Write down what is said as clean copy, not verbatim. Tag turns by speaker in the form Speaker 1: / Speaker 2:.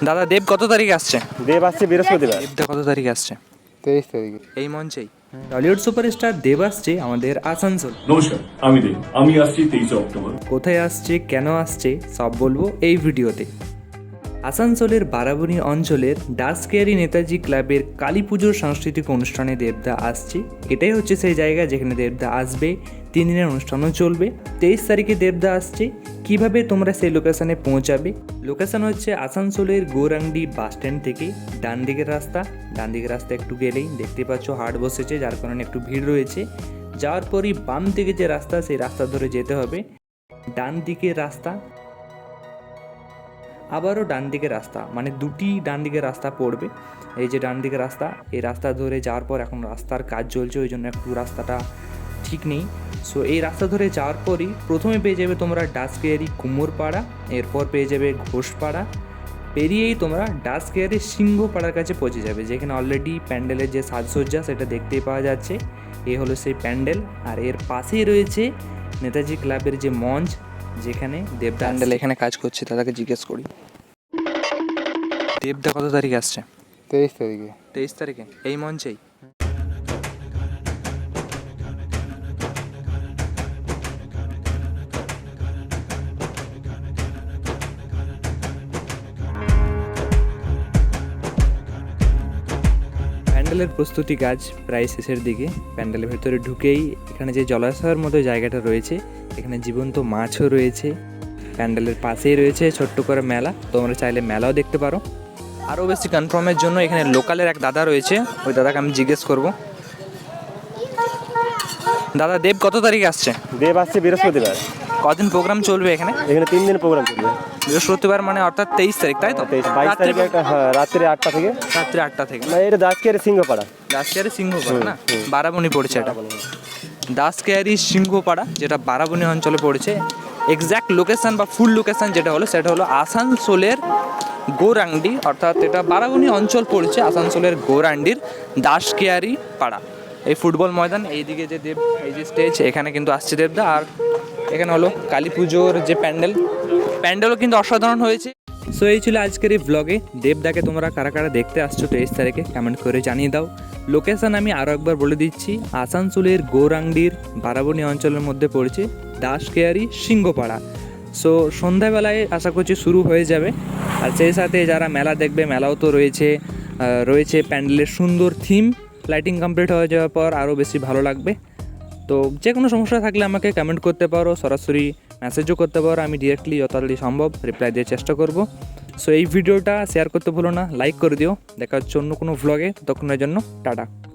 Speaker 1: দাদা দেব কত তারিখে আসছে?
Speaker 2: দেব আসছে বৃহস্পতিবার।
Speaker 1: দেবদা কত তারিখে আসছে?
Speaker 2: 23 তারিখে।
Speaker 1: এই মঞ্চেই টলিউড সুপারস্টার দেব আসছে আমাদের আসানসোল।
Speaker 3: নমস্কার, আমি দেব। আমি আসছি 23 অক্টোবর।
Speaker 1: কোথায় আসছে, কেন আসছে, সব বলবো এই ভিডিওতে। আসানসোলের বারাবণী অঞ্চলের ডাসকেয়ারি নেতাজি ক্লাবের কালী পুজোর সাংস্কৃতিক অনুষ্ঠানে দেবদা আসছে। এটাই হচ্ছে সেই জায়গা যেখানে দেবদা আসবে। 3 দিনের অনুষ্ঠানও চলবে। 23 তারিখে দেবদা আসছে। কিভাবে তোমরা সেই লোকেশনে পৌঁছাবে? লোকেশন হচ্ছে আসানসোলের গৌরাঙ্গি বাস স্ট্যান্ড থেকে ডান দিকের রাস্তা। একটু গেলেই দেখতে পাচ্ছ হাট বসেছে, যার কারণে একটু ভিড় রয়েছে। যাওয়ার পরই বাম দিকে যে রাস্তা, সেই রাস্তা ধরে যেতে হবে। ডান দিকের রাস্তা, আবারও ডান দিকে রাস্তা, মানে দুটি ডান দিকে রাস্তা পড়বে। এই যে ডান দিকে রাস্তা, এই রাস্তা ধরে যাওয়ার পর এখন রাস্তার কাজ চলছে, ওই জন্য একটু রাস্তাটা ঠিক নেই। সো এই রাস্তা ধরে যাওয়ার পরই প্রথমে পেয়ে যাবে তোমরা ডাসকেয়ারি কুমোরপাড়া, এরপর পেয়ে যাবে ঘোষপাড়া, পেরিয়েই তোমরা ডাসকেয়ারি সিংহপাড়ার কাছে পৌঁছে যাবে, যেখানে অলরেডি প্যান্ডেলের যে সাজসজ্জা সেটা দেখতেই পাওয়া যাচ্ছে। এ হলো সেই প্যান্ডেল, আর এর পাশেই রয়েছে নেতাজি ক্লাবের যে মঞ্চ, যেখানে দেব প্যান্ডেল এখানে কাজ করছে। দাদাকে জিজ্ঞেস করি, দেবদা কত তারিখে আসছে?
Speaker 2: 23 তারিখে।
Speaker 1: 23 তারিখে এই মঞ্চেই। প্যান্ডেলের প্রস্তুতি কাজ প্রায় শেষের দিকে। প্যান্ডেলের ভেতরে ঢুকেই এখানে যে জলাশয়ের মতো জায়গাটা রয়েছে, এখানে জীবন্ত মাছও রয়েছে। প্যান্ডেলের পাশেই রয়েছে ছোট্ট করে মেলা, তোমরা চাইলে মেলাও দেখতে পারো। আরও বেশি কনফার্মের জন্য এখানে লোকালের এক দাদা রয়েছে, ওই দাদাকে আমি জিজ্ঞেস করব। দাদা দেব কত তারিখে আসছে?
Speaker 2: দেব আসছে বৃহস্পতিবার।
Speaker 1: কদিন প্রোগ্রাম চলবে এখানে?
Speaker 2: এখানে 3 দিন প্রোগ্রাম চলবে।
Speaker 1: বৃহস্পতিবার মানে অর্থাৎ 23 তারিখ, তাই তো?
Speaker 2: 22 তারিখে একটা, হ্যাঁ, রাত্রি 8টা থেকে।
Speaker 1: রাত্রি 8টা থেকে
Speaker 2: না, এটা দাসকেয়ারি সিংহপাড়া।
Speaker 1: দাসকেয়ারি সিংহপাড়া না, বারাবণী পড়েছে এটা। দাসকেয়ারি সিংহপাড়া, যেটা বারাবণী অঞ্চলে পড়েছে। এক্স্যাক্ট লোকেশন বা ফুল লোকেশন যেটা হলো, সেটা হলো আসানসোলের গৌরাঙ্গি, অর্থাৎ এটা বারাবণী অঞ্চল পড়েছে আসানসোলের গৌরাঙ্গির দাসকেয়ারি পাড়া। এই ফুটবল ময়দান, এইদিকে যে দেব, এই যে স্টেজ, এখানে কিন্তু আসছে দেবদা। আর এখানে হলো কালী পুজোর যে প্যান্ডেলও কিন্তু অসাধারণ হয়েছে। সো এই ছিল আজকের এই ব্লগে। দেবদাকে তোমরা কারা কারা দেখতে আসছো 23 তারিখে কমেন্ট করে জানিয়ে দাও। লোকেশন আমি আরও একবার বলে দিচ্ছি, আসানসোলের গৌরাঙ্গির বারাবণী অঞ্চলের মধ্যে পড়েছে দাসকেয়ারি সিংহপাড়া। সো সন্ধ্যাবেলায় আশা করছি শুরু হয়ে যাবে। আর সেই সাথে যারা মেলা দেখবে, মেলাও তো রয়েছে প্যান্ডেলের সুন্দর থিম। লাইটিং কমপ্লিট হয়ে যাওয়ার পর আরও বেশি ভালো লাগবে। তো যে কোনো সমস্যা থাকলে আমাকে কমেন্ট করতে পারো, সরাসরি মেসেজও করতে পারো। আমি ডিরেক্টলি যত তাড়াতাড়ি সম্ভব রিপ্লাই দেওয়ার চেষ্টা করব। সো এই ভিডিওটা শেয়ার করতে ভুলো না, লাইক করে দিও। দেখা হচ্ছে অন্য কোনো ভ্লগে, ততক্ষণের জন্য টাটা।